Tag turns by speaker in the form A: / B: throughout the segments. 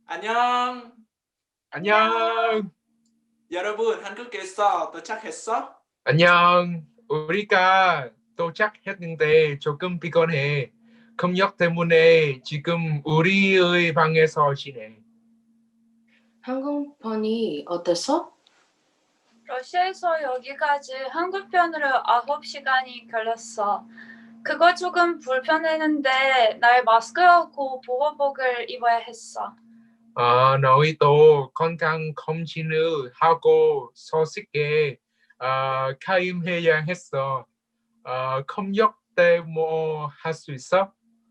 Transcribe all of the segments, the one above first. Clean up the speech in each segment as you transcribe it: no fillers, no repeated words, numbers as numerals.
A: 안녕.
B: 안녕.
A: 여러분, 한국에서 도착했어?
B: 안녕. 우리가 도착했는데 조금 피곤해. 검역 때문에 지금 우리의 방에서 지내.
C: 항공편이 어땠어?
D: 러시아에서 여기까지 한국편으로 9시간이 걸렸어. 그거 조금 불편했는데 날 마스크하고 보호복을 입어야 했어.
B: 너희도 건강 검진을 하고 소식에 가임해야 했어. 검역 때 뭐 할 수 있어?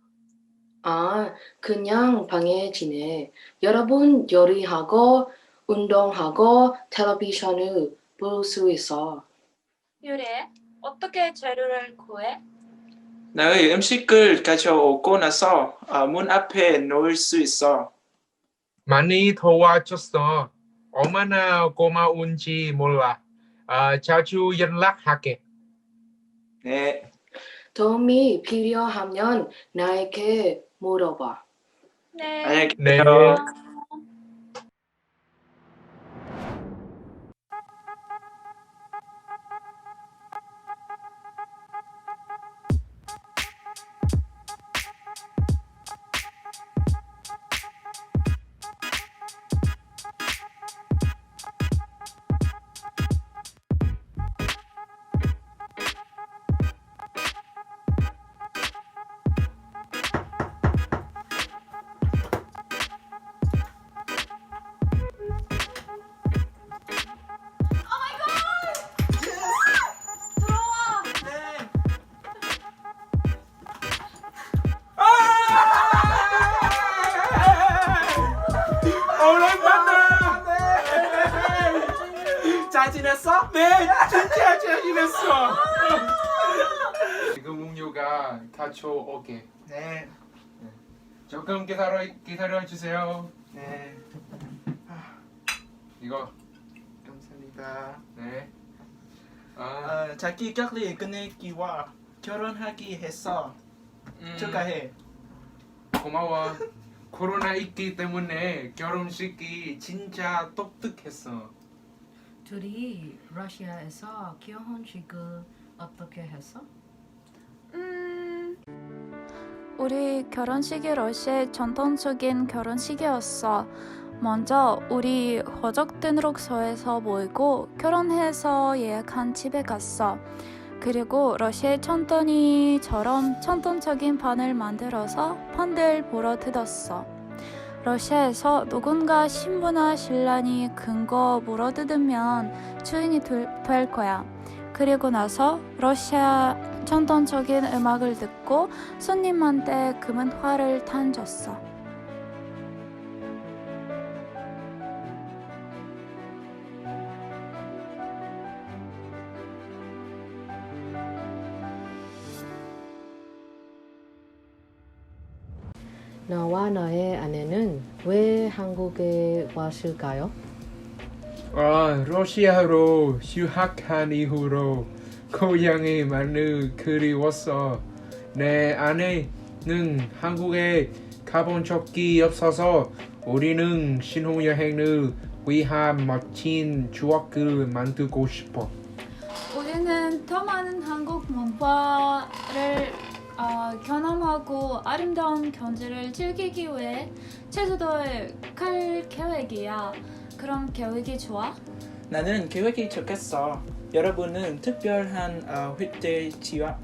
C: 그냥 방에 지내. 여러분 요리하고 운동하고 텔레비전을 볼 수 있어.
D: 유래, 어떻게 재료를 구해?
A: 너의 음식을 가져오고 나서 문 앞에 놓을 수 있어.
B: 많이 도와줬어. 얼마나 고마운지 몰라. 자주 연락할게.
A: 네.
C: 도움이 필요하면 나에게 물어봐.
D: 네.
A: 안녕히
B: 네.
A: 계세요.
B: 오랜만에.
A: 잘 지냈어?
B: 네, 진짜 잘 지냈어. 지금 음료가 가져오게.
A: 네.
B: 조금 기다려 주세요.
A: 네.
B: 이거.
A: 감사합니다.
B: 네.
A: 자기 격리 끝내기와 결혼하기 했어. 축하해.
B: 고마워. 코로나 있기 때문에 결혼식이 진짜 독특했어.
C: 둘이 러시아에서 결혼식을 어떻게 했어?
D: 우리 결혼식이 러시아의 전통적인 결혼식이었어. 먼저 우리 호적 등록소에서 모이고 결혼해서 예약한 집에 갔어. 그리고 러시아의 천돈이처럼 전통적인 판을 만들어서 판들 보러 뜯었어. 러시아에서 누군가 신부나 신랑이 큰 거 물어뜯으면 주인이 될 거야. 그리고 나서 러시아 전통적인 음악을 듣고 손님한테 금은 화를 던졌어.
C: 너와 너의 아내는 왜 한국에 왔을까요?
B: 러시아로 휴학한 이후로 고향이 많이 그리웠어. 내 아내는 한국에 가본 적이 없어서 우리는 신혼여행을 위한 멋진 추억을 만들고 싶어.
D: 우리는 더 많은 한국 문화를 경험하고 아름다운 경치를 즐기기 위해 제주도에 갈 계획이야. 그럼 계획이 좋아?
A: 나는 계획이 좋겠어. 여러분은 특별한 휘대지와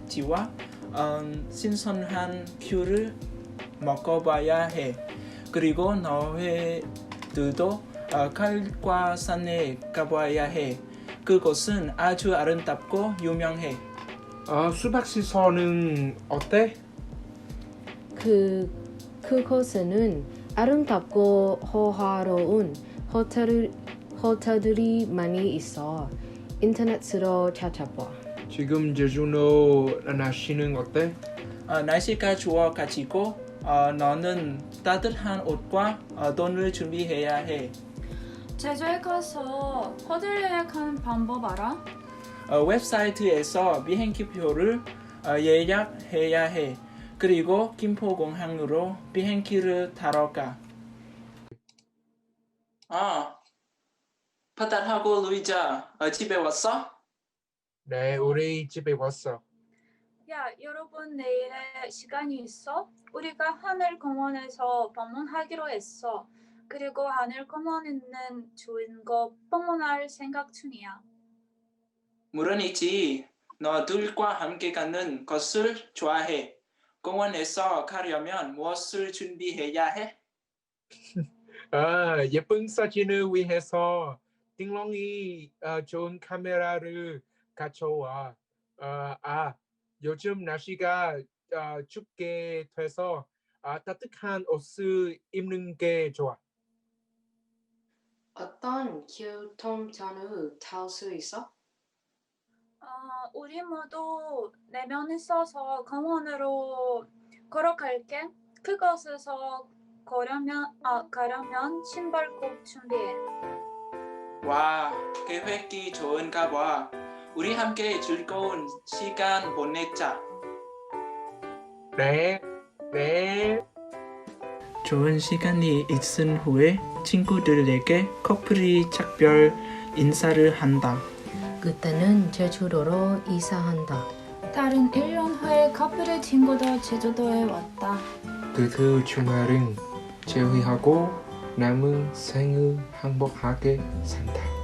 A: 신선한 귤을 먹어봐야 해. 그리고 너희들도 칼과 산에 가봐야 해. 그곳은 아주 아름답고 유명해.
B: 수박시설은 어때?
C: 그곳에는 아름답고 호화로운 호텔들이 많이 있어. 인터넷으로 찾아봐.
B: 지금 제주도 날씨는 어때?
A: 날씨가 좋아가지고 너는 따뜻한 옷과 돈을 준비해야 해.
D: 제주에 가서 호텔 예약하는 방법 알아?
A: 웹사이트에서 비행기표를 예약해야 해. 그리고 김포공항으로 비행기를 타러 가. 파탄하고 루이자, 집에 왔어?
B: 네, 우리 집에 왔어.
D: 야, 여러분 내일에 시간이 있어? 우리가 하늘공원에서 방문하기로 했어. 그리고 하늘공원 있는 좋은 곳 방문할 생각 중이야.
A: 물론이지. 너들과 함께 가는 것을 좋아해. 공원에서 가려면 무엇을 준비해야 해?
B: 예쁜 사진을 위해서 띵롱이 좋은 카메라를 가져와. 요즘 날씨가 춥게 돼서 따뜻한 옷을 입는 게 좋아.
C: 어떤 교통편을 탈 수 있어?
D: 우리 모두 4명 있어서 공원으로 걸어갈게. 그곳에서 가려면 신발 꼭 준비해.
A: 와, 계획이 좋은가 봐. 우리 함께 즐거운 시간 보내자.
B: 네.
A: 좋은 시간이 있은 후에 친구들에게 커플이 작별 인사를 한다.
C: 그때는 제주도로 이사한다.
D: 다른 1년 후에 커플의 친구도 제주도에 왔다.
B: 그 주말은 제외하고 남은 생을 행복하게 산다.